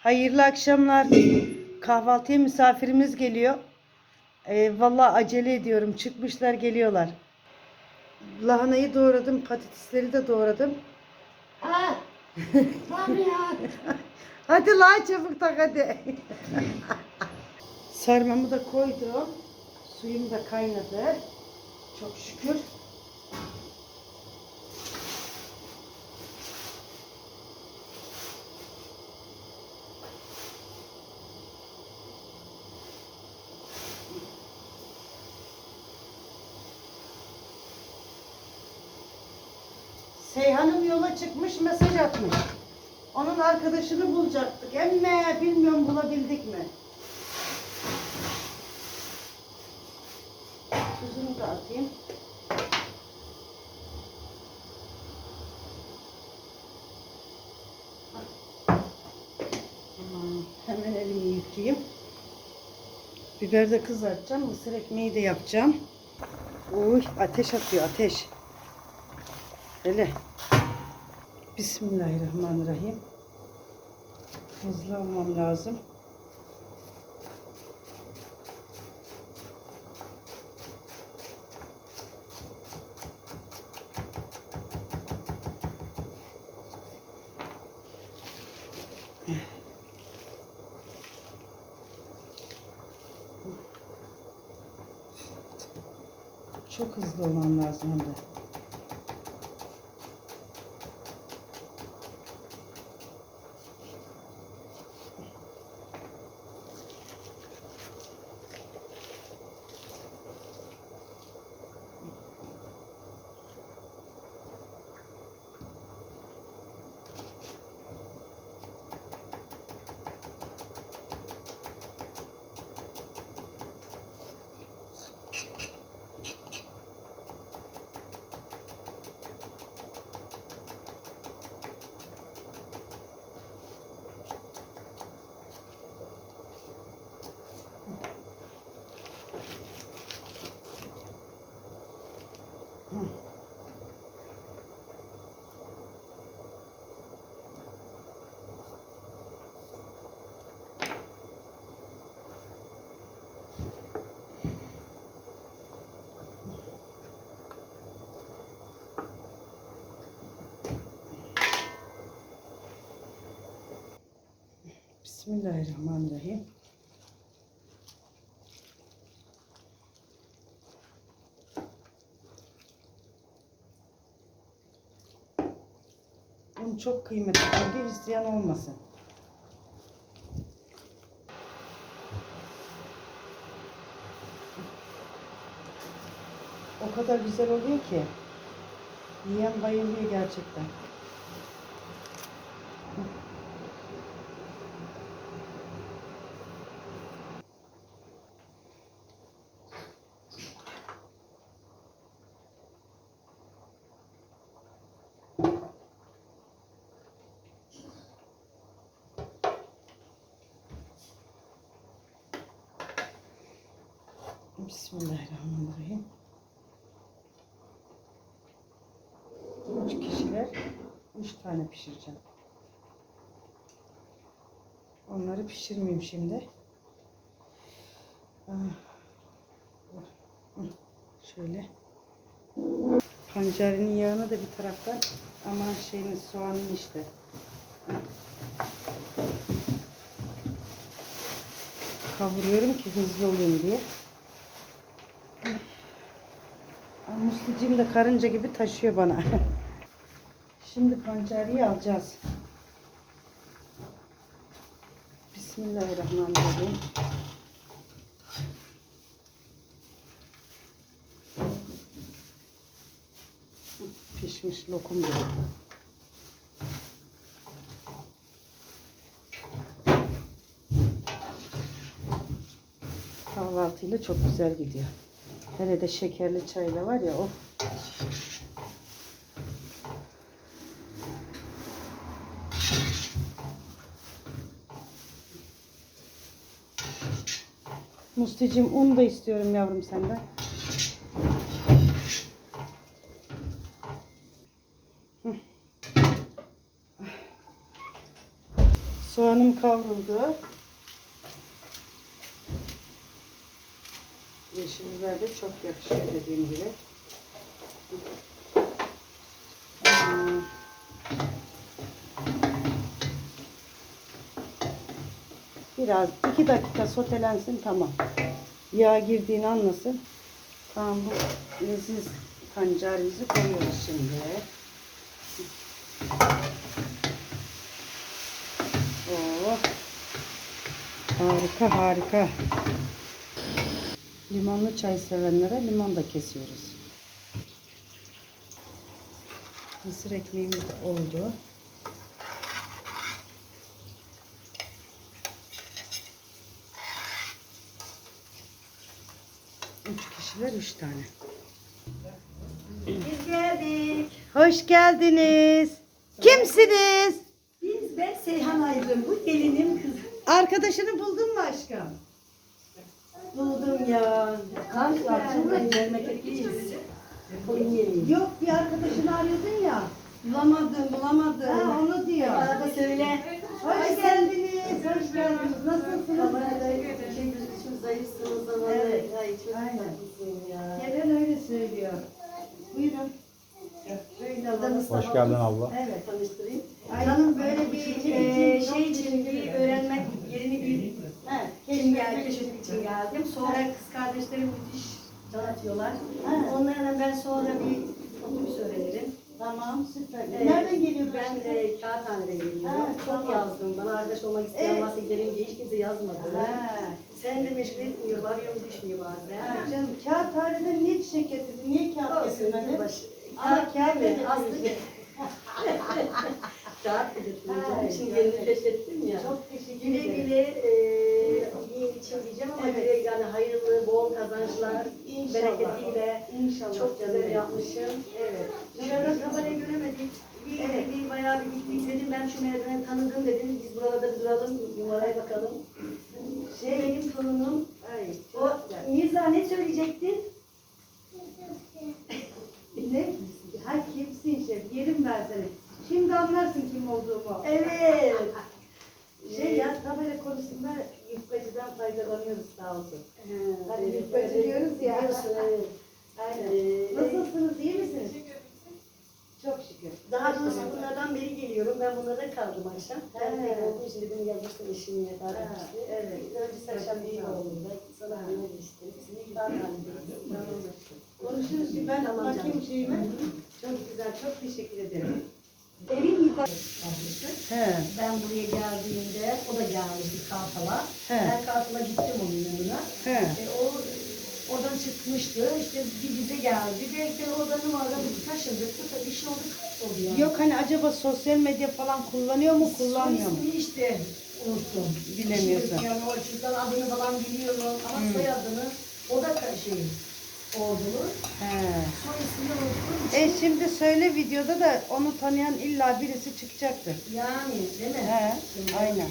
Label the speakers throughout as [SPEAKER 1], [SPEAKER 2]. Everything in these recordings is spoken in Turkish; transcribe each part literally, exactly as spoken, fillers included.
[SPEAKER 1] Hayırlı akşamlar. Kahvaltıya misafirimiz geliyor. Ee, vallahi acele ediyorum. Çıkmışlar geliyorlar. Lahanayı doğradım. Patatesleri de doğradım.
[SPEAKER 2] Ha, tabii ya.
[SPEAKER 1] Hadi la çabuk tak hadi. Sarmamı da koydum. Suyum da kaynadı. Çok şükür. Seyhan'ım yola çıkmış, mesaj atmış. Onun arkadaşını bulacaktık. Emme bilmiyorum bulabildik mi? Tuzunu da atayım. Tamam. Hemen elimi yıkayayım. Biber de kızartacağım. Mısır ekmeği de yapacağım. Uy, ateş atıyor ateş. Hele. Bismillahirrahmanirrahim. Hızlı olmam lazım. Çok hızlı olmam lazım hem de. Bismillahirrahmanirrahim. Un çok kıymetli çünkü isteyen olmasın. O kadar güzel oluyor ki yiyen bayılıyor gerçekten. Bismillahirrahmanirrahim. Üç kişiler üç tane pişireceğim. Onları pişirmeyeyim şimdi. Şöyle. Pancarının yağını da bir taraftan, ama şeyin soğanın işte. Kavuruyorum ki hızlı olayım diye. Muslucum da karınca gibi taşıyor bana. Şimdi pancarıyı alacağız. Bismillahirrahmanirrahim. Pişmiş lokum gibi. Kahvaltıyla çok güzel gidiyor. Hele de şekerli çayla var ya, o. Musticim, un da istiyorum yavrum senden. Soğanım kavruldu. Yeşil biber de çok yakışıyor dediğim gibi. Hmm. Biraz iki dakika sotelensin, tamam. Yağ girdiğini anlasın. Tamam, bu leziz pancarımızı koyuyoruz şimdi. Oh. Harika harika. Limonlu çay sevenlere limon da kesiyoruz. Mısır ekmeğimiz de oldu. Üç kişiler üç tane.
[SPEAKER 2] Biz geldik.
[SPEAKER 1] Hoş geldiniz. Kimsiniz?
[SPEAKER 2] Biz ben Seyhan Aydın. Bu gelinim kızım.
[SPEAKER 1] Arkadaşını buldun mu aşkım?
[SPEAKER 2] Buldum ya. Karşılaştım. Memleketliyiz. Konya'lıyım.
[SPEAKER 1] Yok, bir arkadaşını arıyordun ya.
[SPEAKER 2] Bulamadım, bulamadım.
[SPEAKER 1] Ha, onu diyor.
[SPEAKER 2] Arada söyle.
[SPEAKER 1] Hoş geldiniz. Hoş geldiniz. Nasılsınız?
[SPEAKER 2] Kamerada şey gözüküyor, zayıfsınız ama.
[SPEAKER 1] Evet.
[SPEAKER 2] Ay çok
[SPEAKER 1] Aynen.
[SPEAKER 2] tatlısın ya.
[SPEAKER 1] Gelen öyle söylüyor. Buyurun. Böyle alalım.
[SPEAKER 3] Hoş geldin abla.
[SPEAKER 2] Evet, tanıştırayım.
[SPEAKER 1] Ay,
[SPEAKER 2] Canım böyle bir
[SPEAKER 1] şey
[SPEAKER 2] e,
[SPEAKER 1] için,
[SPEAKER 2] şey için bir öğrenmek yerini bir
[SPEAKER 1] Evet.
[SPEAKER 2] için geldim, keşfetmek için geldim. Sonra kız kardeşlerim müthiş can atıyorlar.
[SPEAKER 1] Evet.
[SPEAKER 2] Onlarla ben sonra bir otobüs öğrenirim.
[SPEAKER 1] Tamam, süper.
[SPEAKER 2] Ee,
[SPEAKER 1] Nereden geliyor
[SPEAKER 2] Ben
[SPEAKER 1] şimdi?
[SPEAKER 2] e, Kağıthane'den geliyorum.
[SPEAKER 1] Ha,
[SPEAKER 2] Çok
[SPEAKER 1] tamam.
[SPEAKER 2] yazdım. Bana arkadaş olmak isteyen
[SPEAKER 1] Evet.
[SPEAKER 2] varsa gidelim diye hiç kimse yazmadı.
[SPEAKER 1] Ha.
[SPEAKER 2] Sen de meşgul etmiyor, arıyorum düşmüyor bazen.
[SPEAKER 1] Ha, canım, kağıthaneden niye çiçek getirdin? Niye kağıt
[SPEAKER 2] Olsun,
[SPEAKER 1] getirmedin?
[SPEAKER 2] baş.
[SPEAKER 1] Ama
[SPEAKER 2] Kağıt
[SPEAKER 1] kağıt
[SPEAKER 2] değil mi?
[SPEAKER 1] getirmiş.
[SPEAKER 2] Aslında kağıt getirdim.
[SPEAKER 1] Ay,
[SPEAKER 2] Şimdi
[SPEAKER 1] çok
[SPEAKER 2] yerini
[SPEAKER 1] güzel.
[SPEAKER 2] keşfettim ya.
[SPEAKER 1] Çok teşekkür
[SPEAKER 2] Güle
[SPEAKER 1] ederim.
[SPEAKER 2] güle e, yiyin için diyeceğim ama
[SPEAKER 1] Evet.
[SPEAKER 2] güle yani hayırlı, bol kazançlar,
[SPEAKER 1] İnşallah.
[SPEAKER 2] bereketiyle.
[SPEAKER 1] İnşallah.
[SPEAKER 2] Çok güzel
[SPEAKER 1] canım.
[SPEAKER 2] yapmışım. Evet. Dışarıda kamerayı göremedik. Bir,
[SPEAKER 1] Evet.
[SPEAKER 2] bir bayağı bir gittik dedim. Ben şu merdiveni tanıdım dedim. Biz buralarda bir duralım, numaraya bakalım. Şey benim torunum.
[SPEAKER 1] Ay,
[SPEAKER 2] O
[SPEAKER 1] çok güzel.
[SPEAKER 2] Mirza ne söyleyecektin?
[SPEAKER 1] Ne? Ha, kimsin şef? Yerim ben seni. Şimdi anlarsın kim olduğumu.
[SPEAKER 2] Evet.
[SPEAKER 1] Şey ya, tabela konusunda yufkacıdan faydalanıyoruz, sağ olsun. Hani
[SPEAKER 2] evet,
[SPEAKER 1] yufkacı
[SPEAKER 2] evet.
[SPEAKER 1] diyoruz ya.
[SPEAKER 2] Biliyorsun, evet.
[SPEAKER 1] Aynen.
[SPEAKER 2] Ee,
[SPEAKER 1] Nasılsınız, iyi misiniz? Çok şükür.
[SPEAKER 2] Daha doğrusu bunlardan beri geliyorum. Ben bunlarda kaldım akşam. Ben
[SPEAKER 1] He.
[SPEAKER 2] tek olduğum için dedim yazmıştım eşimle
[SPEAKER 1] Ha,
[SPEAKER 2] tartışmıştı.
[SPEAKER 1] evet.
[SPEAKER 2] Önce akşam iyi oldu. Sana ne işte. Seni daha
[SPEAKER 1] Konuşuruz ki ben
[SPEAKER 2] Tamam
[SPEAKER 1] bakayım
[SPEAKER 2] canım.
[SPEAKER 1] şeyime. Çok güzel, çok teşekkür ederim.
[SPEAKER 2] Evin yukarısı.
[SPEAKER 1] He.
[SPEAKER 2] Ben buraya geldiğimde o da gelmişti Kartal'a.
[SPEAKER 1] He.
[SPEAKER 2] Ben Kartal'a gittim onun yanına.
[SPEAKER 1] He.
[SPEAKER 2] E, o oradan çıkmıştı. İşte bir bize geldi. Belki oradan numaradan bir taşındık. Bu tabii işin oldu kayboldu yani.
[SPEAKER 1] Yok, hani acaba sosyal medya falan kullanıyor mu, kullanmıyor mu?
[SPEAKER 2] Soy ismini işte unuttum.
[SPEAKER 1] Bilemiyorsun.
[SPEAKER 2] Şimdi yani o çocukların adını falan biliyorum ama
[SPEAKER 1] Hmm.
[SPEAKER 2] soyadını o da ka- şey ordulu.
[SPEAKER 1] He.
[SPEAKER 2] Soy ismini unuttum.
[SPEAKER 1] E şimdi söyle, videoda da onu tanıyan illa birisi çıkacaktır.
[SPEAKER 2] Yani değil mi?
[SPEAKER 1] He,
[SPEAKER 2] Şimdi-
[SPEAKER 1] aynen.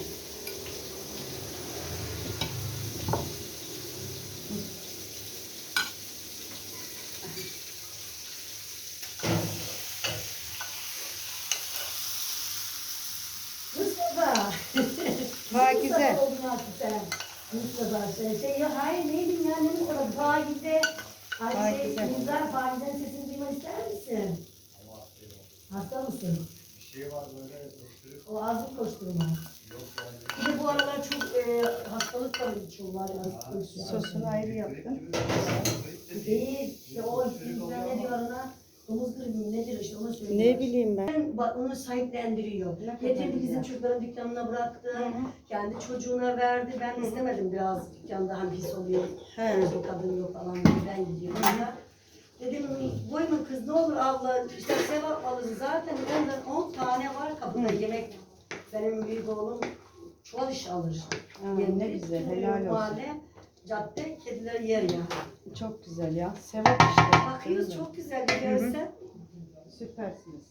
[SPEAKER 2] Mustafa.
[SPEAKER 1] Pakize.
[SPEAKER 2] Mustafa oldun artık sen. Mustafa şey, şey ya hayır neydim ya ne Mustafa Pakize. Ay şey
[SPEAKER 1] Pakize.
[SPEAKER 2] Müzar Pakize'nin sesini duymak ister misin? Hasta mısın?
[SPEAKER 3] Bir şey var böyle koşturuyor.
[SPEAKER 2] O ağzı koşturma. Bir de bu aralar çok e, hastalık var içiyorlar. ya.
[SPEAKER 1] Sosunu ayrı yaptım.
[SPEAKER 2] Değil. İşte o ne diyor ona? Domuz gribi mi nedir işte onu söylüyor.
[SPEAKER 1] Ne bileyim ben.
[SPEAKER 2] Bak onu sahiplendiriyor.
[SPEAKER 1] Ne kadar
[SPEAKER 2] Getirdi bizim
[SPEAKER 1] güzel.
[SPEAKER 2] çocukların dükkanına bıraktı.
[SPEAKER 1] Hı hı.
[SPEAKER 2] Kendi çocuğuna verdi. Ben istemedim biraz dükkanda hani pis oluyor.
[SPEAKER 1] He.
[SPEAKER 2] Çocuk kadın yok falan diye ben gidiyorum. ya. Dedim koyma kız ne olur abla işte sevap alırız. Zaten ondan on tane var kapıda
[SPEAKER 1] Hı.
[SPEAKER 2] yemek. Benim büyük oğlum çuval iş alır.
[SPEAKER 1] Ha,
[SPEAKER 2] Yendi.
[SPEAKER 1] ne güzel,
[SPEAKER 2] Bütün
[SPEAKER 1] helal olsun.
[SPEAKER 2] Mahalle, cadde, kediler yer ya.
[SPEAKER 1] Çok güzel ya. Sevap işte.
[SPEAKER 2] Bakıyoruz
[SPEAKER 1] Değil mi?
[SPEAKER 2] çok güzel bir görsen.
[SPEAKER 1] Süpersiniz.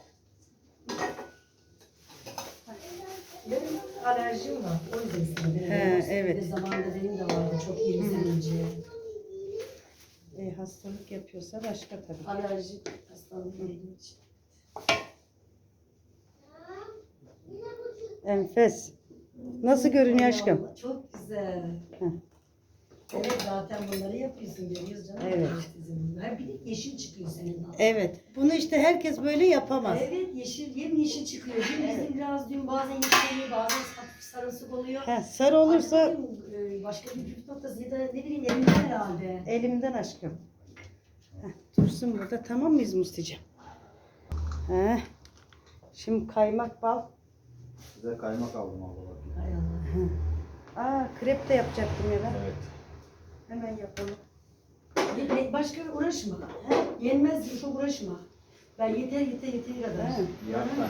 [SPEAKER 2] Benim alerjim var. O yüzden istedim.
[SPEAKER 1] He,
[SPEAKER 2] Yoksa
[SPEAKER 1] evet.
[SPEAKER 2] bir de zamanında benim de vardı çok yirmi sene önce.
[SPEAKER 1] E, hastalık yapıyorsa başka tabii.
[SPEAKER 2] Alerji hastalığı benim için.
[SPEAKER 1] Enfes. Nasıl görünüyor aşkım?
[SPEAKER 2] Allah, çok güzel.
[SPEAKER 1] Heh.
[SPEAKER 2] Evet zaten bunları yapıyorsun görüyoruz canım.
[SPEAKER 1] Evet.
[SPEAKER 2] Ha, bir de yeşil çıkıyor senin.
[SPEAKER 1] Evet. Bunu işte herkes böyle yapamaz.
[SPEAKER 2] Evet yeşil yem yeşil çıkıyor. Dün bizim biraz dün bazen yeşil bazen hafif sarımsak oluyor.
[SPEAKER 1] He, sarı olursa
[SPEAKER 2] Artık dedim, e, başka bir püf noktası ya da ne bileyim elimden herhalde.
[SPEAKER 1] elimden aşkım. Heh, dursun burada, tamam mıyız Musti'cim? Heh. Şimdi kaymak bal.
[SPEAKER 3] Size kaymak aldım abla bakayım.
[SPEAKER 2] Hay Allah.
[SPEAKER 1] Aa, krep de yapacaktım ya ben.
[SPEAKER 3] Evet.
[SPEAKER 1] Hemen yapalım.
[SPEAKER 2] Ye- Başka uğraşma. He? Yenmez çok uğraşma. Ben yeter yeter yeter kadar.
[SPEAKER 1] He.
[SPEAKER 3] Yap ben.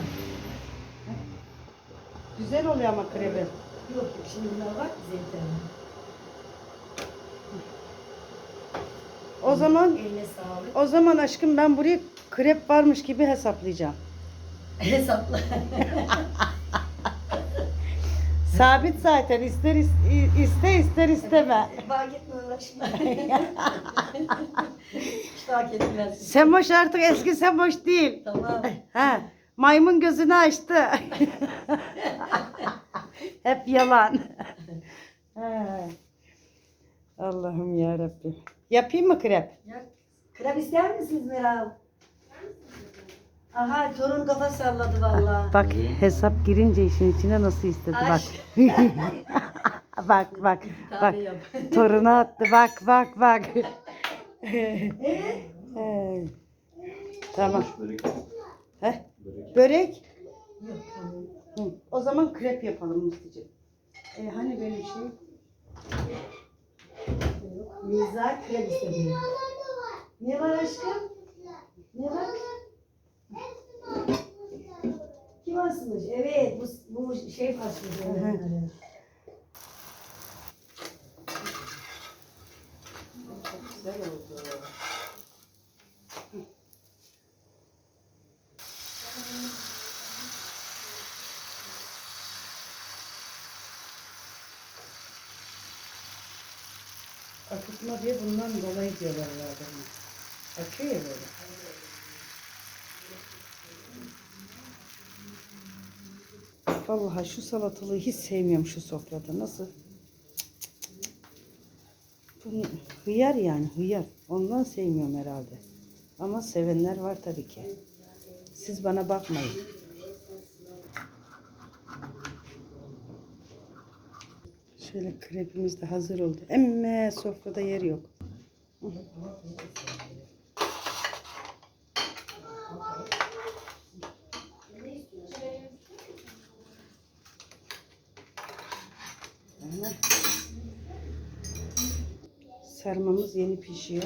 [SPEAKER 1] Güzel oluyor ama krebi.
[SPEAKER 2] Yok yok şimdi bunlar var bize yeter.
[SPEAKER 1] O zaman
[SPEAKER 2] Eline sağlık.
[SPEAKER 1] o zaman aşkım ben buraya krep varmış gibi hesaplayacağım.
[SPEAKER 2] Hesapla.
[SPEAKER 1] Sabit zaten, ister is- iste ister isteme.
[SPEAKER 2] Fark etme uğraşma. Hiç fark etmez.
[SPEAKER 1] Semoş artık eski Semoş değil.
[SPEAKER 2] Tamam.
[SPEAKER 1] Ha, maymun gözünü açtı. Hep yalan. Ha. Allah'ım ya Rabbim. Yapayım mı krep?
[SPEAKER 2] Ya, krem ister misiniz Meral? Aha torun kafa salladı valla.
[SPEAKER 1] Bak hesap girince işin içine nasıl istedi bak. Bak bak bak.
[SPEAKER 2] Tabii yap.
[SPEAKER 1] Torunu attı bak bak bak.
[SPEAKER 2] Evet.
[SPEAKER 1] Ee, Tamam.
[SPEAKER 3] Börek.
[SPEAKER 1] Heh.
[SPEAKER 3] Börek.
[SPEAKER 1] Börek.
[SPEAKER 2] Yok tamam.
[SPEAKER 1] Hı. O zaman krep yapalım Musti'ciğim. E, hani böyle bir şey?
[SPEAKER 2] Yok. Miza krem istedi. Ne var aşkım? Ne var? Kim asmış? Evet bu, bu şey asmış.
[SPEAKER 1] Hı hı.
[SPEAKER 2] Çok güzel oldu.
[SPEAKER 1] Akıtma diye bundan dolayı diyorlar adamı. Akıyor ya böyle. Vallahi şu salatalığı hiç sevmiyorum şu sofrada. Nasıl? Bunu hıyar yani hıyar. Ondan sevmiyorum herhalde. Ama sevenler var tabii ki. Siz bana bakmayın. Şöyle krepimiz de hazır oldu. Emme sofrada yer yok. Sarmamız yeni pişiyor.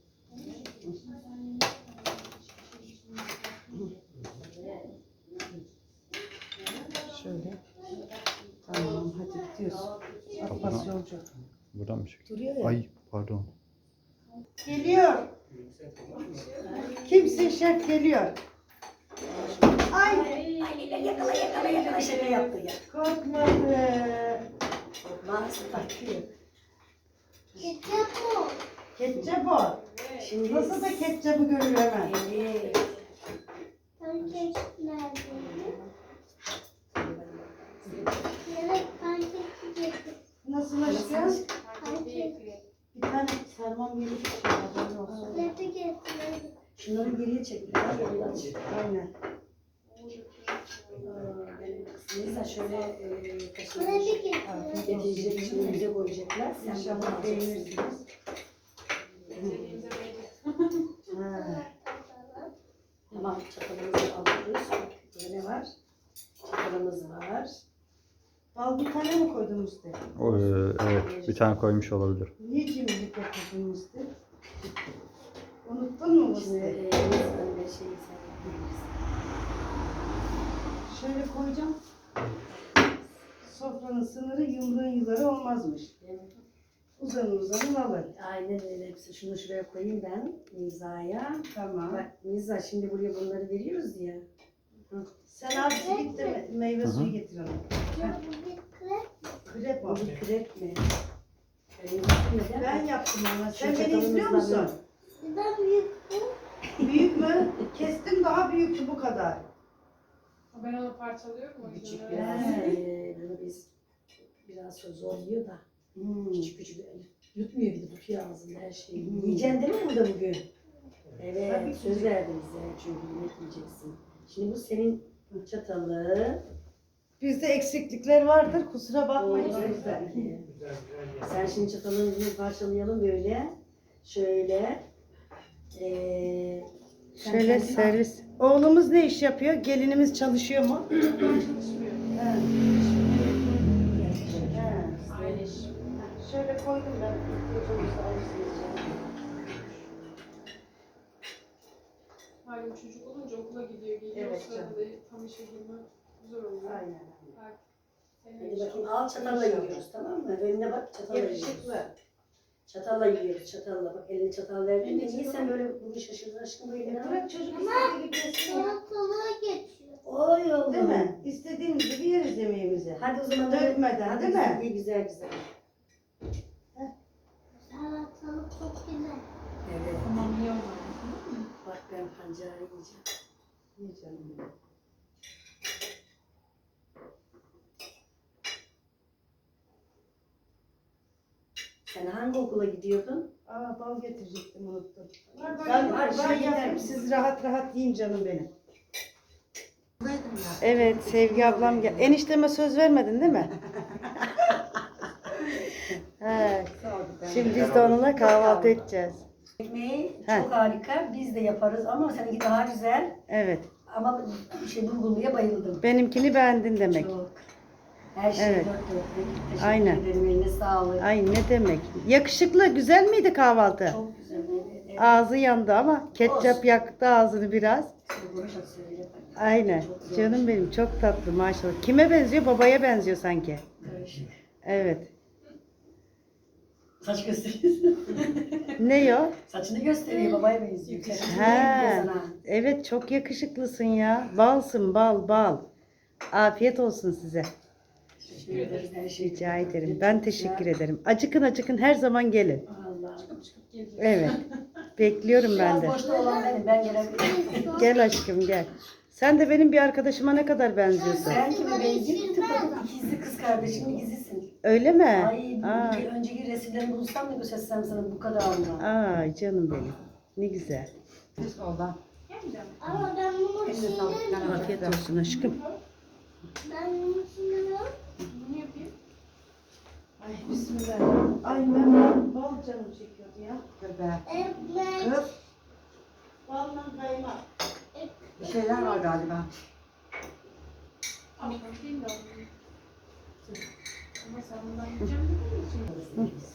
[SPEAKER 1] Şöyle. Tamam hadi gidiyoruz. Abbas yolcu.
[SPEAKER 3] Buradan mı çekiyor?
[SPEAKER 1] Duruyor ya.
[SPEAKER 3] Ay pardon.
[SPEAKER 1] Geliyor. Kimse şef geliyor. Ay
[SPEAKER 2] Yakala yakala yakala şaka yaptı ya.
[SPEAKER 1] korkmadı.
[SPEAKER 2] Maalesef takıyor.
[SPEAKER 1] Ketçap o.
[SPEAKER 2] Şimdi
[SPEAKER 1] Nasıl da ketçapı görür hemen.
[SPEAKER 2] Evet.
[SPEAKER 1] Nasıl aşkım? Bir tane sarmam yeni pişiyor. Haberin olsun.
[SPEAKER 2] Şunları geriye çek. biraz, yandan çek.
[SPEAKER 1] Aynen.
[SPEAKER 2] Neyse şöyle e, taşıyacak. Getirecek şimdi bize koyacaklar. Sen
[SPEAKER 1] İnşallah
[SPEAKER 2] İnşallah
[SPEAKER 1] beğenirsiniz. Ha.
[SPEAKER 2] Tamam çatalımızı alıyoruz. Burada ne var? Çatalımız var.
[SPEAKER 1] Bal bir tane mi koydun Musti?
[SPEAKER 3] O, e, evet bir tane koymuş olabilir.
[SPEAKER 1] Niye cimrilik yapıyorsun Musti? Unuttun mu
[SPEAKER 2] Şimdi
[SPEAKER 1] Musti?
[SPEAKER 2] e, böyle şey sen
[SPEAKER 1] Şöyle koyacağım. Sofranın sınırı yumruğun yuları olmazmış. Uzanın uzanın alın.
[SPEAKER 2] Aynen öyle. Hepsi şunu şuraya koyayım ben Niza'ya.
[SPEAKER 1] Tamam.
[SPEAKER 2] Bak Niza şimdi buraya bunları veriyoruz ya.
[SPEAKER 1] Sen abisi git de meyve
[SPEAKER 3] Hı hı.
[SPEAKER 1] suyu getir ona. Krep
[SPEAKER 2] Bu
[SPEAKER 1] o.
[SPEAKER 2] bir krep mi? Şöyle yapayım da.
[SPEAKER 1] Ben yaptım ama.
[SPEAKER 2] Şu
[SPEAKER 1] Sen beni izliyor
[SPEAKER 2] çatalımızla
[SPEAKER 1] musun? Büyük mü? Kestim daha büyüktü bu kadar.
[SPEAKER 4] Ben onu parçalıyorum o
[SPEAKER 2] Küçük
[SPEAKER 4] yüzden.
[SPEAKER 2] biraz.
[SPEAKER 1] He.
[SPEAKER 2] Ee, bunu biz biraz sonra zorluyor da.
[SPEAKER 1] Hmm.
[SPEAKER 2] Küçük küçük yutmuyor bir de tutuyor ağzında her şeyi.
[SPEAKER 1] Hmm.
[SPEAKER 2] Yiyeceksin değil mi burada bugün? Evet,
[SPEAKER 1] Tabii ki.
[SPEAKER 2] söz verdim size çünkü yemek yiyeceksin. Şimdi bu senin çatalı.
[SPEAKER 1] Bizde eksiklikler vardır. Kusura bakmayın.
[SPEAKER 2] Olmaz belki. Sen şimdi çatalını bir parçalayalım böyle. Şöyle. Ee, sen
[SPEAKER 1] Şöyle
[SPEAKER 2] kendin-
[SPEAKER 1] servis. Oğlumuz ne iş yapıyor? Gelinimiz çalışıyor mu?
[SPEAKER 4] Çalışmıyor.
[SPEAKER 2] Ha. Ha.
[SPEAKER 4] Aile iş.
[SPEAKER 1] Şöyle koydum ben. İhtiyacınızı alırsınız.
[SPEAKER 4] Malum çocuk olunca okula gidiyor, geliyor.
[SPEAKER 1] Evet
[SPEAKER 4] O sırada da tam işe girme zor oluyor.
[SPEAKER 1] Aynen.
[SPEAKER 4] Belki senin
[SPEAKER 2] Hadi
[SPEAKER 4] iş
[SPEAKER 2] bakayım al çatalla yiyoruz tamam mı? Önüne bak çatalla yiyoruz.
[SPEAKER 1] Yakışıklı.
[SPEAKER 2] Çatalla yiyoruz çatalla. Bak eline çatal verdin.
[SPEAKER 4] Eline
[SPEAKER 2] Niye
[SPEAKER 4] çatal.
[SPEAKER 2] sen böyle bugün şaşırdın aşkım bu eline?
[SPEAKER 1] Bırak çocuk istediği gibi yesin ya.
[SPEAKER 5] Salatalığa geçiyor.
[SPEAKER 2] Oy oğlum.
[SPEAKER 1] Değil mi? İstediğimiz gibi yeriz yemeğimizi.
[SPEAKER 2] Hadi o zaman
[SPEAKER 1] Dökmeden,
[SPEAKER 2] hadi
[SPEAKER 1] değil mi?
[SPEAKER 2] İyi güzel güzel.
[SPEAKER 5] Salatalık çok güzel.
[SPEAKER 2] Evet.
[SPEAKER 4] Tamam iyi o zaman.
[SPEAKER 2] Bak ben pancarı yiyeceğim.
[SPEAKER 1] İyi canım benim.
[SPEAKER 2] Sen hangi okula gidiyordun?
[SPEAKER 1] Aa bal getirecektim unuttum.
[SPEAKER 4] Var, var,
[SPEAKER 1] Ben
[SPEAKER 4] var,
[SPEAKER 1] şey
[SPEAKER 2] var,
[SPEAKER 1] yapayım
[SPEAKER 2] gider.
[SPEAKER 1] siz rahat rahat yiyin canım benim. Evet Sevgi ablam gel. Enişteme söz vermedin değil mi? He. Şimdi biz de onunla kahvaltı edeceğiz.
[SPEAKER 2] Ekmeği
[SPEAKER 1] He.
[SPEAKER 2] çok harika. Biz de yaparız ama seninki daha güzel.
[SPEAKER 1] Evet.
[SPEAKER 2] Ama şey bulgurluya bayıldım.
[SPEAKER 1] Benimkini beğendin demek.
[SPEAKER 2] Çok. Her şey
[SPEAKER 1] Evet.
[SPEAKER 2] dört dörtlük. Teşekkür
[SPEAKER 1] Aynen.
[SPEAKER 2] ederim. Eline sağlık.
[SPEAKER 1] Ay ne demek. Yakışıklı güzel miydi kahvaltı?
[SPEAKER 2] Çok güzel. Evet, evet.
[SPEAKER 1] Ağzı yandı ama ketçap
[SPEAKER 2] Olsun.
[SPEAKER 1] yaktı ağzını biraz.
[SPEAKER 2] Konuşak söyle.
[SPEAKER 1] Aynen.
[SPEAKER 2] Çok güzel.
[SPEAKER 1] Canım benim çok tatlı maşallah. Kime benziyor? Babaya benziyor sanki.
[SPEAKER 2] Karışık.
[SPEAKER 1] Evet.
[SPEAKER 2] Saç gösteriyorsun.
[SPEAKER 1] Ne o?
[SPEAKER 2] Saçını gösteriyor. Babaya benziyor. Saçını
[SPEAKER 1] He.
[SPEAKER 2] benziyor sana.
[SPEAKER 1] Evet çok yakışıklısın ya. Balsın bal bal. Afiyet olsun size.
[SPEAKER 2] Teşekkür ederiz. Her şey.
[SPEAKER 1] Rica ederim. Ben teşekkür ederim. Acıkın acıkın her zaman gelin.
[SPEAKER 2] Allah'ım.
[SPEAKER 1] Evet. Bekliyorum ben
[SPEAKER 2] Biraz
[SPEAKER 1] de.
[SPEAKER 2] boşta olan benim. Ben gelebilirim.
[SPEAKER 1] Gel aşkım gel. Sen de benim bir arkadaşıma ne kadar benziyorsun.
[SPEAKER 2] Sen kime benziyorsun? Tıpatıp ikizli kız kardeşimin ikizisin.
[SPEAKER 1] Öyle mi?
[SPEAKER 2] Ay
[SPEAKER 1] Aa,
[SPEAKER 2] bu önceki resimlerimi bulsam da göstersem sana bu kadar anlam.
[SPEAKER 1] ay canım benim. Ne güzel.
[SPEAKER 5] Ama ben bunu çiğnerim.
[SPEAKER 1] Afiyet olsun aşkım.
[SPEAKER 5] Ben bunu çiğnemiyorum.
[SPEAKER 4] Bunu yapayım.
[SPEAKER 1] Ay bismillah. Ay ben bal, bal canım çekiyordu ya.
[SPEAKER 5] Ekmek.
[SPEAKER 1] Balla kaymak.
[SPEAKER 5] Ek-
[SPEAKER 6] Bir şeyler var galiba.
[SPEAKER 4] Ama değil de alayım. Ama sen bundan yiyeceğim dediğin için.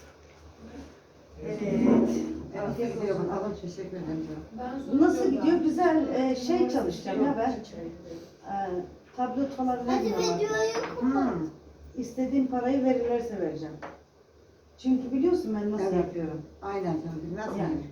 [SPEAKER 1] Evet.
[SPEAKER 6] Afiyet gidiyor bakalım. Teşekkür ederim.
[SPEAKER 4] Ben
[SPEAKER 1] Bu nasıl
[SPEAKER 4] soruyorum
[SPEAKER 1] gidiyor?
[SPEAKER 4] da.
[SPEAKER 1] Güzel e, şey çalışacağım ya ben. E, tablet falan
[SPEAKER 5] Hadi
[SPEAKER 1] vermiyorlar.
[SPEAKER 5] videoyu kapat.
[SPEAKER 6] Hmm.
[SPEAKER 1] İstediğim parayı verirlerse vereceğim. Çünkü biliyorsun ben nasıl
[SPEAKER 6] Evet.
[SPEAKER 1] yapıyorum.
[SPEAKER 6] Aynen canım. Bilmez
[SPEAKER 1] Yani.
[SPEAKER 6] yani.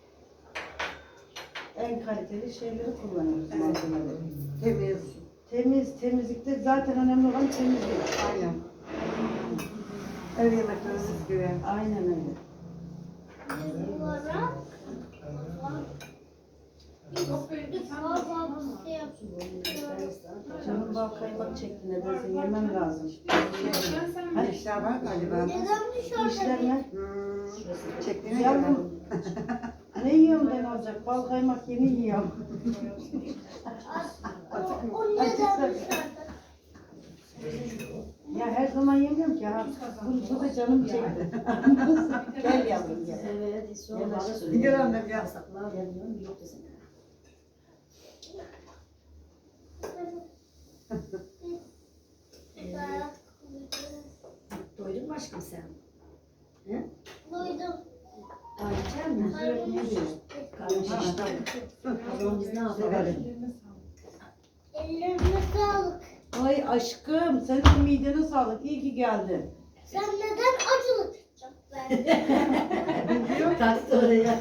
[SPEAKER 1] En kaliteli şeyleri kullanıyoruz malzemeleri.
[SPEAKER 6] Temiz.
[SPEAKER 1] Temiz, temizlikte zaten önemli olan temizlik.
[SPEAKER 6] Aynen. Ev yemeklerimiz gibi.
[SPEAKER 1] Aynen öyle.
[SPEAKER 5] Duvara.
[SPEAKER 4] Yok böyle bir tane
[SPEAKER 5] Baba
[SPEAKER 4] var.
[SPEAKER 5] bir şey yapıyor.
[SPEAKER 1] Canım bal kaymak çekti nedense yemem lazım.
[SPEAKER 4] Ben sen
[SPEAKER 1] Hadi.
[SPEAKER 6] İşler var galiba.
[SPEAKER 5] Neden dışarıda
[SPEAKER 1] İşler
[SPEAKER 5] bir
[SPEAKER 1] ne?
[SPEAKER 6] Hmm. Çektiğine göre.
[SPEAKER 1] Yavrum. Ne yiyorum ben olacak? Bal kaymak yeni yiyorum.
[SPEAKER 5] o, o neden dışarıda?
[SPEAKER 1] Ya her zaman yemiyorum ki ha. Bu, bu da canım çekti. Gel yavrum gel.
[SPEAKER 2] Evet, hiç sorma.
[SPEAKER 1] Gel
[SPEAKER 2] Bana
[SPEAKER 1] aşkım.
[SPEAKER 2] söyle.
[SPEAKER 6] Gel annem, gel.
[SPEAKER 2] Saklar yanıyorum yok desene. Doydun mu aşkım sen? He?
[SPEAKER 5] Duydum.
[SPEAKER 2] Daha içer mi?
[SPEAKER 5] Karnım şişti.
[SPEAKER 2] Karnın şişti. O zaman biz ne yapalım?
[SPEAKER 4] ellerine sağlık.
[SPEAKER 5] Ellerine sağlık.
[SPEAKER 1] Ay aşkım sen de midene sağlık. İyi ki geldin.
[SPEAKER 5] Sen neden acılık çok verdin?
[SPEAKER 2] Taktı oraya.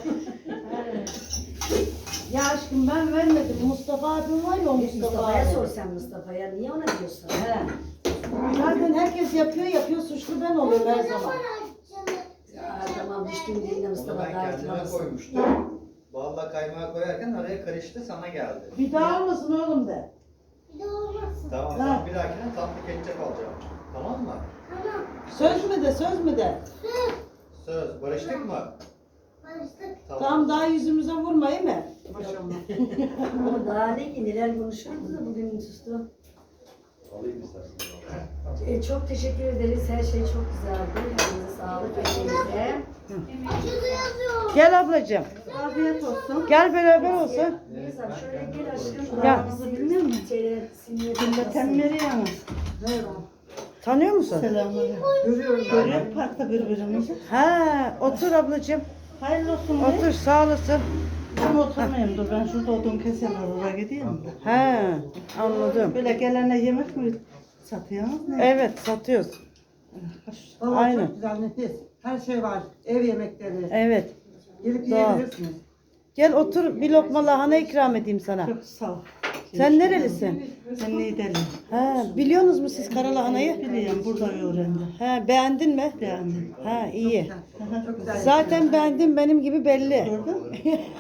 [SPEAKER 1] Ya aşkım ben vermedim. Mustafa abim var ya o Mustafa
[SPEAKER 2] Mustafa'ya
[SPEAKER 1] abi.
[SPEAKER 2] sor sen Mustafa'ya. Niye ona diyorsun? He.
[SPEAKER 1] Zaten herkes yapıyor yapıyor suçlu ben oluyorum her
[SPEAKER 5] Ne
[SPEAKER 1] zaman.
[SPEAKER 5] zaman acılık
[SPEAKER 2] Ya tamam düştüm diye
[SPEAKER 7] Onu
[SPEAKER 2] Mustafa
[SPEAKER 7] ben
[SPEAKER 2] daha
[SPEAKER 7] kendime
[SPEAKER 2] hatırlamasın.
[SPEAKER 7] koymuştum. Balla kaymağı koyarken araya karıştı sana geldi.
[SPEAKER 1] Bir daha olmasın oğlum de.
[SPEAKER 5] Bir de olmasın.
[SPEAKER 7] Tamam
[SPEAKER 1] Ha.
[SPEAKER 7] tamam bir dahakine tatlı ketçap alacağım. Tamam mı?
[SPEAKER 5] Tamam.
[SPEAKER 1] Söz mü de söz mü de.
[SPEAKER 7] Söz. Barıştık mı?
[SPEAKER 5] Barıştık.
[SPEAKER 1] Tamam daha yüzümüze vurmayın mı?
[SPEAKER 2] Ama daha ne ki neler konuşuyoruz da bugün sustu.
[SPEAKER 7] Alayım istersen.
[SPEAKER 2] E, çok teşekkür ederiz. Her şey çok güzeldi. Elinize sağlık. Elinize.
[SPEAKER 5] Acılı yazıyor.
[SPEAKER 1] Gel ablacığım.
[SPEAKER 6] Afiyet olsun.
[SPEAKER 1] Gel beraber olsun.
[SPEAKER 2] Neyse şöyle gel aşkım.
[SPEAKER 1] Gel.
[SPEAKER 2] Ağzınızı bilmiyor musun? Şeyler, sinirler.
[SPEAKER 6] Temleri
[SPEAKER 1] Tanıyor musun?
[SPEAKER 6] Selamünaleyküm. Görüyoruz. Görüyor parkta birbirimizi.
[SPEAKER 1] Ha, otur ablacığım.
[SPEAKER 6] Hayırlı olsun. be.
[SPEAKER 1] Otur sağ olasın.
[SPEAKER 6] Ben oturmayayım dur. Ben şurada odun kesemem. Oraya gideyim de.
[SPEAKER 1] Ha, anladım.
[SPEAKER 6] Böyle gelene yemek mi satıyorsunuz? Ne?
[SPEAKER 1] Evet satıyoruz.
[SPEAKER 6] Vallahi
[SPEAKER 1] Aynen.
[SPEAKER 6] çok güzel nefis. Her şey var. Ev yemekleri.
[SPEAKER 1] Evet.
[SPEAKER 6] Gelip
[SPEAKER 1] Doğru.
[SPEAKER 6] yiyebilirsiniz.
[SPEAKER 1] Gel otur bir lokma lahana ikram edeyim sana.
[SPEAKER 6] Çok sağ ol.
[SPEAKER 1] Sen nerelisin?
[SPEAKER 6] Ben Niğdeliyim.
[SPEAKER 1] Ha, biliyorsunuz mu siz kara lahanayı?
[SPEAKER 6] Biliyorum burada öğrendim.
[SPEAKER 1] Ha, beğendin mi?
[SPEAKER 6] Beğendim.
[SPEAKER 1] Ha, iyi.
[SPEAKER 6] Çok güzel.
[SPEAKER 1] Zaten beğendim benim gibi belli.
[SPEAKER 6] Gördün mü?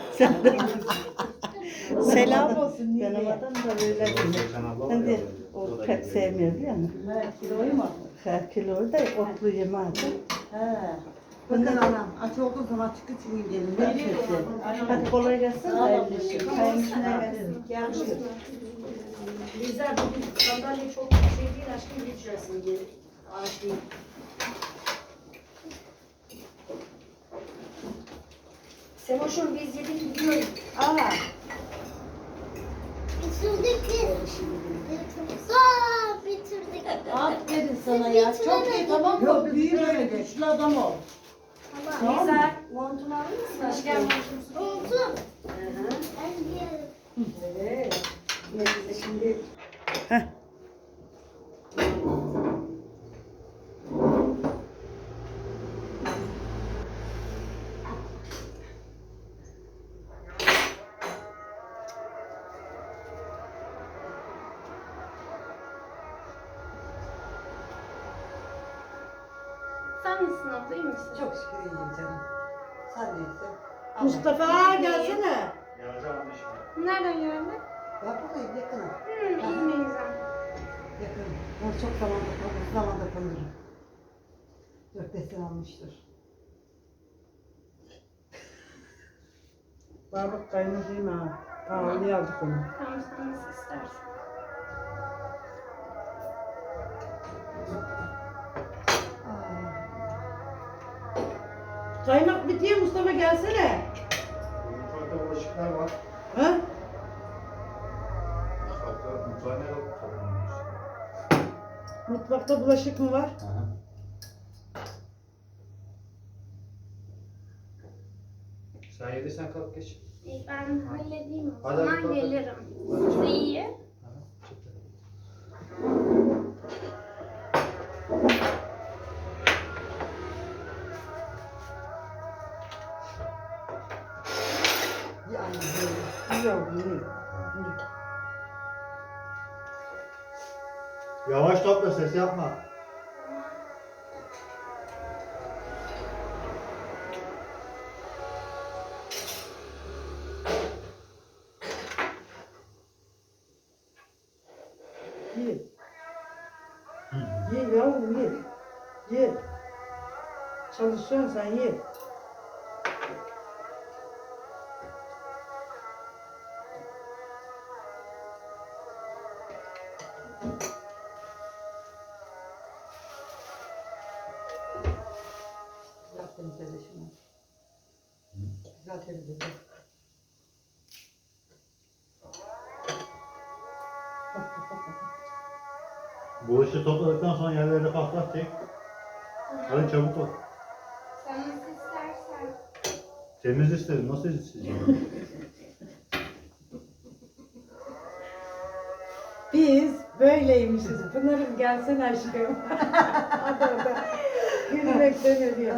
[SPEAKER 1] Selam olsun.
[SPEAKER 6] Benim
[SPEAKER 1] Niğde'ye.
[SPEAKER 6] adam da böyle değil. Ben de o pek sevmiyor biliyor musun?
[SPEAKER 1] Ha, kiloyu mu?
[SPEAKER 6] Her kilo da otlu yemeği.
[SPEAKER 1] Ha.
[SPEAKER 6] Bakın anam aç olduğu zaman çıkı çıkın gelin. Ne içersin? Hadi kolay gelsin. Hayırlı işler. Çayın içine veririm.
[SPEAKER 1] Yakışır.
[SPEAKER 2] Bizler bugün sandalye çok şey değil aşkım geçersin diye. Ağaç değil. Semoş'um biz yedik gidiyoruz.
[SPEAKER 1] Aa,
[SPEAKER 5] Bitirdik biz. Aa, bitirdik.
[SPEAKER 1] aferin sana ya. Çok iyi tamam mı?
[SPEAKER 6] Yok, biz
[SPEAKER 1] Büyük
[SPEAKER 6] böyle
[SPEAKER 1] böyle güçlü adam ol.
[SPEAKER 5] Tamam.
[SPEAKER 2] Bizler montunu alır mısın aşkım?
[SPEAKER 5] Oldu.
[SPEAKER 2] Hı hı.
[SPEAKER 5] Ben giyerim.
[SPEAKER 2] Evet. Yine biz de şimdi
[SPEAKER 1] Heh.
[SPEAKER 4] Sen misin abla, iyi misin?
[SPEAKER 6] Çok şükür iyiyim canım. Sen neyse.
[SPEAKER 1] Mustafa gelsene.
[SPEAKER 4] Nereden geldin?
[SPEAKER 6] Ben buradayım yakınım.
[SPEAKER 4] Hmm, iyi neyse.
[SPEAKER 6] Yakınım. Ben çok zamanda kalırım. Zamanda kalırım. Dört beş sene almıştır.
[SPEAKER 1] Barbuk kaynadı ha. Pahalıya aldık onu.
[SPEAKER 4] Tamam, sen nasıl istersen.
[SPEAKER 1] Kaymak bitiyor Mustafa gelsene.
[SPEAKER 7] Mutfakta bulaşıklar var.
[SPEAKER 1] Ha?
[SPEAKER 7] Mutfakta mutfağa ne yok?
[SPEAKER 1] Mutfakta bulaşık mı var?
[SPEAKER 7] Sen yediysen kalk geç.
[SPEAKER 4] İyi, ben halledeyim o
[SPEAKER 7] Hadi,
[SPEAKER 4] zaman
[SPEAKER 7] hadi, hadi.
[SPEAKER 4] gelirim. Size iyi.
[SPEAKER 6] Yani böyle.
[SPEAKER 1] İyi oldu iyi.
[SPEAKER 7] Yavaş topla, ses yapma.
[SPEAKER 1] Ye. Ye yavrum ye. Ye. Çalışıyorsun sen ye.
[SPEAKER 6] Güzel temizledi şunu. Güzel temizledi.
[SPEAKER 8] Bulaşığı topladıktan sonra yerlerde patlat çek. Hadi çabuk ol.
[SPEAKER 4] Sen nasıl istersen.
[SPEAKER 8] Temiz istedim. Nasıl isteyeceğim?
[SPEAKER 1] Biz böyleymişiz. Pınar'ım gelsene aşkım. Hadi orada. Gülmekten ölüyor.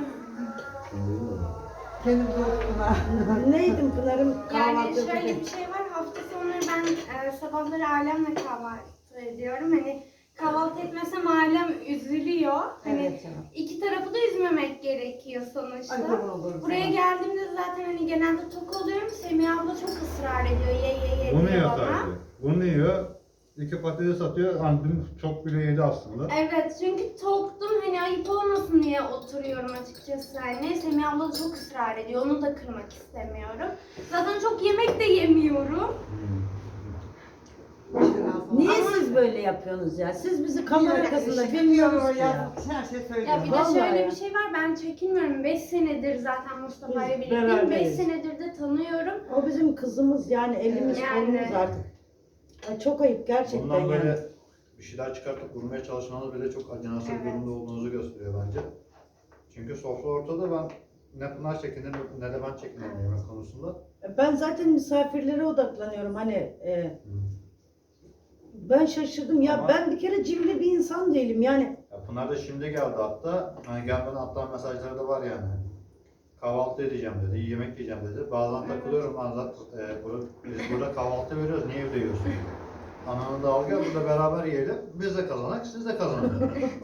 [SPEAKER 6] Kendi dostuna.
[SPEAKER 1] Neydim Pınar'ım
[SPEAKER 4] Yani
[SPEAKER 1] kahvaltı
[SPEAKER 4] şöyle
[SPEAKER 1] yapacak.
[SPEAKER 4] bir şey var, hafta sonları ben e, sabahları ailemle kahvaltı ediyorum. Hani kahvaltı etmesem ailem üzülüyor. Hani
[SPEAKER 6] Evet canım.
[SPEAKER 4] iki tarafı da üzmemek gerekiyor sonuçta.
[SPEAKER 6] Ay kurban olurum
[SPEAKER 4] Buraya
[SPEAKER 6] sana.
[SPEAKER 4] geldiğimde zaten hani genelde tok oluyorum. Semih abla çok ısrar ediyor, ye ye ye
[SPEAKER 8] Bunu
[SPEAKER 4] diyor
[SPEAKER 8] yiyor
[SPEAKER 4] bana.
[SPEAKER 8] sadece. Bunu yiyor. İki patates atıyor. Hani dün çok bile yedi aslında.
[SPEAKER 4] Evet, çünkü toktum, hani ayıp olmasın diye oturuyorum açıkçası. Yani Semih abla çok ısrar ediyor. Onu da kırmak istemiyorum. Zaten çok yemek de yemiyorum.
[SPEAKER 2] Niye siz böyle yapıyorsunuz ya? Siz bizi kamera arkasında bilmiyorsunuz ki ya.
[SPEAKER 6] Her şey söylüyor.
[SPEAKER 4] Ya bir de
[SPEAKER 2] Vallahi
[SPEAKER 4] şöyle
[SPEAKER 2] ya.
[SPEAKER 4] bir şey var. Ben çekinmiyorum. beş senedir zaten Mustafa ile
[SPEAKER 2] Biz
[SPEAKER 4] birlikteyim. beş
[SPEAKER 2] beraberiz.
[SPEAKER 4] senedir de tanıyorum.
[SPEAKER 2] O bizim kızımız yani elimiz
[SPEAKER 4] Yani.
[SPEAKER 2] kolumuz artık. Ay, çok ayıp gerçekten
[SPEAKER 8] Bundan
[SPEAKER 2] yani.
[SPEAKER 8] böyle bir şeyler çıkartıp vurmaya çalışmanız bile çok acınası
[SPEAKER 4] Evet.
[SPEAKER 8] bir durumda olduğunuzu gösteriyor bence. Çünkü sofra ortada, ben ne Pınar çekinir ne de ben çekinirim yemek konusunda.
[SPEAKER 2] Ben zaten misafirlere odaklanıyorum hani e, ben şaşırdım ya
[SPEAKER 8] Ama-
[SPEAKER 2] ben bir kere cimri bir insan değilim yani.
[SPEAKER 8] Ya Pınar da şimdi geldi hatta. Hani gelmeden hatta mesajları da var yani. Kahvaltı edeceğim dedi, yemek yiyeceğim dedi. Bazen takılıyorum ben zaten e, burada, biz burada kahvaltı veriyoruz, niye evde yiyorsun? Ananı da al gel burada beraber yiyelim. Biz de kazanak, siz de kazanın.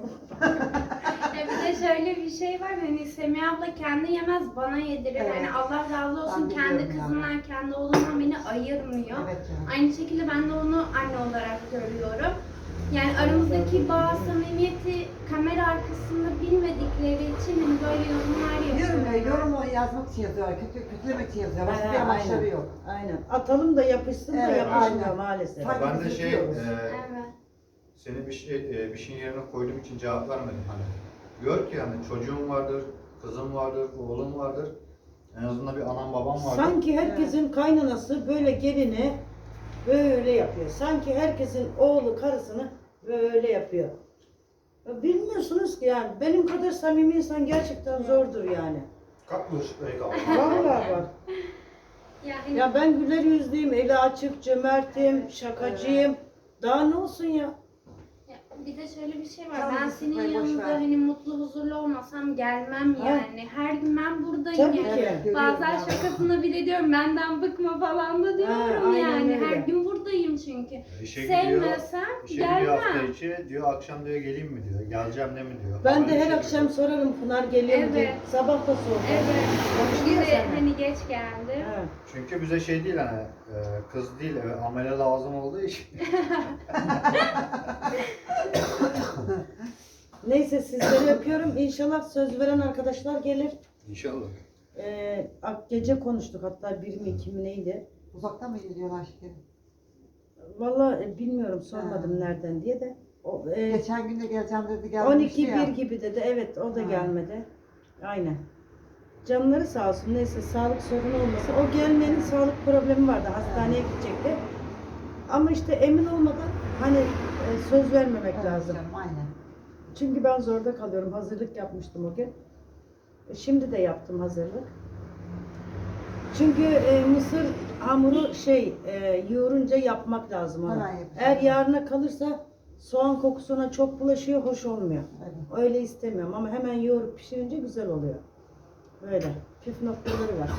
[SPEAKER 4] Ya bir de şöyle bir şey var. Hani Semih abla kendi yemez bana yedirir.
[SPEAKER 6] Evet.
[SPEAKER 4] Hani Allah razı olsun
[SPEAKER 6] Ben
[SPEAKER 4] kendi
[SPEAKER 6] biliyorum
[SPEAKER 4] kızından, kendi oğlundan beni ayırmıyor.
[SPEAKER 6] Evet canım.
[SPEAKER 4] Aynı şekilde ben de onu anne olarak görüyorum. Yani aramızdaki bağ, samimiyeti kamera arkasında bilmedikleri için hani böyle yorumlar
[SPEAKER 6] Diyorum ya,
[SPEAKER 4] yapıyorlar.
[SPEAKER 6] yorum o yazmak için yazıyor, kötü, kötülemek için yazıyor. Başka bir
[SPEAKER 2] Ha,
[SPEAKER 6] amaçları
[SPEAKER 2] aynen.
[SPEAKER 6] yok.
[SPEAKER 2] Aynen. Atalım da yapışsın da
[SPEAKER 6] Evet,
[SPEAKER 2] yapışmıyor
[SPEAKER 6] aynen.
[SPEAKER 2] maalesef.
[SPEAKER 6] Sanki
[SPEAKER 8] Ben de
[SPEAKER 6] biz
[SPEAKER 8] şey,
[SPEAKER 6] yapıyoruz.
[SPEAKER 8] e,
[SPEAKER 4] Evet.
[SPEAKER 8] seni bir şey e, bir şeyin yerine koyduğum için cevap vermedim hani. Gör ki yani çocuğum vardır, kızım vardır, oğlum vardır. En azından bir anam babam vardır.
[SPEAKER 2] Sanki herkesin kaynanası böyle gelini böyle yapıyor. Sanki herkesin oğlu karısını böyle yapıyor. Ya bilmiyorsunuz ki yani benim kadar samimi insan gerçekten zordur yani.
[SPEAKER 8] Kalk bulaşık bey kalk.
[SPEAKER 2] Vallahi bak.
[SPEAKER 4] Yani
[SPEAKER 2] Ya ben güler yüzlüyüm, eli açık, cömertim, şakacıyım. Daha ne olsun ya?
[SPEAKER 4] Ya bir de şöyle bir şey var.
[SPEAKER 6] Tamam,
[SPEAKER 4] Ben senin
[SPEAKER 6] sıkmayı boş
[SPEAKER 4] yanında
[SPEAKER 6] ver.
[SPEAKER 4] hani mutlu huzurlu olmasam gelmem
[SPEAKER 2] Ha.
[SPEAKER 4] yani. Her gün ben buradayım
[SPEAKER 2] Tabii
[SPEAKER 4] yani.
[SPEAKER 2] ki.
[SPEAKER 6] Evet, görüyorum
[SPEAKER 4] Bazen
[SPEAKER 6] ya.
[SPEAKER 4] şakasına bile diyorum benden bıkma falan da diyorum
[SPEAKER 2] aynen
[SPEAKER 4] yani.
[SPEAKER 2] öyle.
[SPEAKER 4] Her gün buradayım çünkü.
[SPEAKER 8] İşe gidiyor,
[SPEAKER 4] Sevmesem
[SPEAKER 8] işe gidiyor hafta
[SPEAKER 4] gelmem.
[SPEAKER 8] içi, diyor akşam diyor geleyim mi diyor, geleceğim ne mi diyor.
[SPEAKER 2] Ben
[SPEAKER 8] Ama
[SPEAKER 2] de her
[SPEAKER 8] işe
[SPEAKER 2] akşam
[SPEAKER 8] gidiyor.
[SPEAKER 2] sorarım Pınar geliyor mu diye.
[SPEAKER 4] Evet.
[SPEAKER 2] Sabah da sordum.
[SPEAKER 4] Evet.
[SPEAKER 2] Konuştu
[SPEAKER 4] Bir
[SPEAKER 2] ya
[SPEAKER 4] de
[SPEAKER 2] seninle.
[SPEAKER 4] hani geç geldi.
[SPEAKER 2] Ha.
[SPEAKER 8] Çünkü bize şey değil hani e, kız değil, e, amele lazım olduğu için.
[SPEAKER 2] Neyse sizleri öpüyorum. İnşallah söz veren arkadaşlar gelir.
[SPEAKER 8] İnşallah.
[SPEAKER 2] Ee, ak- gece konuştuk hatta bir mi iki mi neydi?
[SPEAKER 6] Uzaktan mı geliyorlar şekerim?
[SPEAKER 2] Vallahi e, bilmiyorum sormadım
[SPEAKER 6] Ha.
[SPEAKER 2] nereden diye de. O, e,
[SPEAKER 6] Geçen gün de geleceğim dedi,
[SPEAKER 2] on
[SPEAKER 6] gelmemişti
[SPEAKER 2] iki
[SPEAKER 6] ya.
[SPEAKER 2] bir gibi dedi. Evet o da
[SPEAKER 6] Ha.
[SPEAKER 2] gelmedi. Aynen. Canları sağ olsun. Neyse sağlık sorunu olmasın. O gelmenin sağlık problemi vardı. Hastaneye gidecekti. Ama işte emin olmadan hani e, söz vermemek
[SPEAKER 6] Evet
[SPEAKER 2] lazım.
[SPEAKER 6] canım, aynen.
[SPEAKER 2] Çünkü ben zorda kalıyorum. Hazırlık yapmıştım o gün. E, Şimdi de yaptım hazırlık. Çünkü e, mısır hamuru şey e, yoğurunca yapmak lazım onu.
[SPEAKER 6] Hemen yapacağım.
[SPEAKER 2] Eğer yarına kalırsa soğan kokusuna çok bulaşıyor, hoş olmuyor.
[SPEAKER 6] Evet.
[SPEAKER 2] Öyle istemiyorum ama hemen yoğurup pişirince güzel oluyor. Böyle püf noktaları var.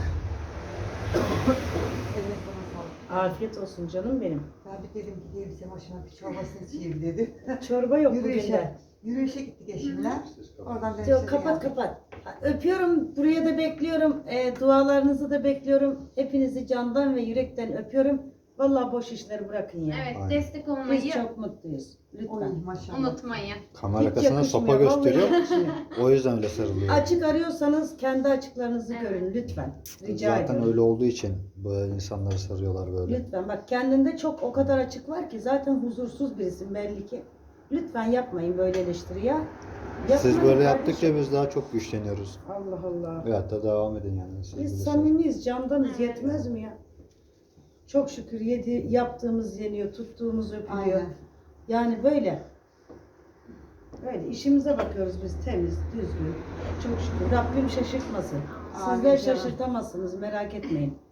[SPEAKER 6] Evet, bana sağlık.
[SPEAKER 2] Afiyet olsun canım benim.
[SPEAKER 6] Ben bir dedim gideyim senin hoşuma bir çorbasını içeyim dedi.
[SPEAKER 2] Çorba yok bugün de.
[SPEAKER 6] Yürüyüşe. Yürüyüşe gittik eşimle. Oradan dönüşte
[SPEAKER 2] Yok,
[SPEAKER 6] de
[SPEAKER 2] kapat
[SPEAKER 6] geldik.
[SPEAKER 2] kapat. Öpüyorum. Buraya da bekliyorum. E, dualarınızı da bekliyorum. Hepinizi candan ve yürekten öpüyorum. Vallahi boş işleri bırakın ya.
[SPEAKER 4] Evet,
[SPEAKER 8] Aynen.
[SPEAKER 4] destek olmayı
[SPEAKER 2] Biz çok mutluyuz.
[SPEAKER 6] Oy
[SPEAKER 2] Lütfen.
[SPEAKER 6] maşallah.
[SPEAKER 4] unutmayın.
[SPEAKER 3] Kamera
[SPEAKER 2] Hiç
[SPEAKER 3] arkasına sopa
[SPEAKER 2] yakışmıyor, vallahi
[SPEAKER 3] gösteriyor.
[SPEAKER 2] yakışmıyor.
[SPEAKER 3] O yüzden öyle sarılıyor.
[SPEAKER 2] Açık arıyorsanız kendi açıklarınızı
[SPEAKER 4] Evet.
[SPEAKER 2] görün lütfen. Rica
[SPEAKER 3] Zaten
[SPEAKER 2] ediyorum.
[SPEAKER 3] öyle olduğu için böyle insanları sarıyorlar böyle.
[SPEAKER 2] Lütfen bak kendinde çok o kadar açık var ki zaten huzursuz birisin belli ki. Lütfen yapmayın böyle eleştiri ya. Yapmayın
[SPEAKER 3] Siz böyle
[SPEAKER 2] kardeşim.
[SPEAKER 3] yaptıkça biz daha çok güçleniyoruz.
[SPEAKER 2] Allah Allah.
[SPEAKER 3] Ve hatta devam edin yani. Siz
[SPEAKER 2] Biz
[SPEAKER 3] bilirsiniz.
[SPEAKER 2] samimiyiz, candanız yetmez mi ya? Çok şükür yedi, yaptığımız yeniyor, tuttuğumuz öpülüyor.
[SPEAKER 6] Aynen.
[SPEAKER 2] Yani böyle. Böyle işimize bakıyoruz biz temiz, düzgün. Çok şükür. Rabbim şaşırtmasın.
[SPEAKER 6] Amin
[SPEAKER 2] Sizler
[SPEAKER 6] canım.
[SPEAKER 2] şaşırtamazsınız merak etmeyin.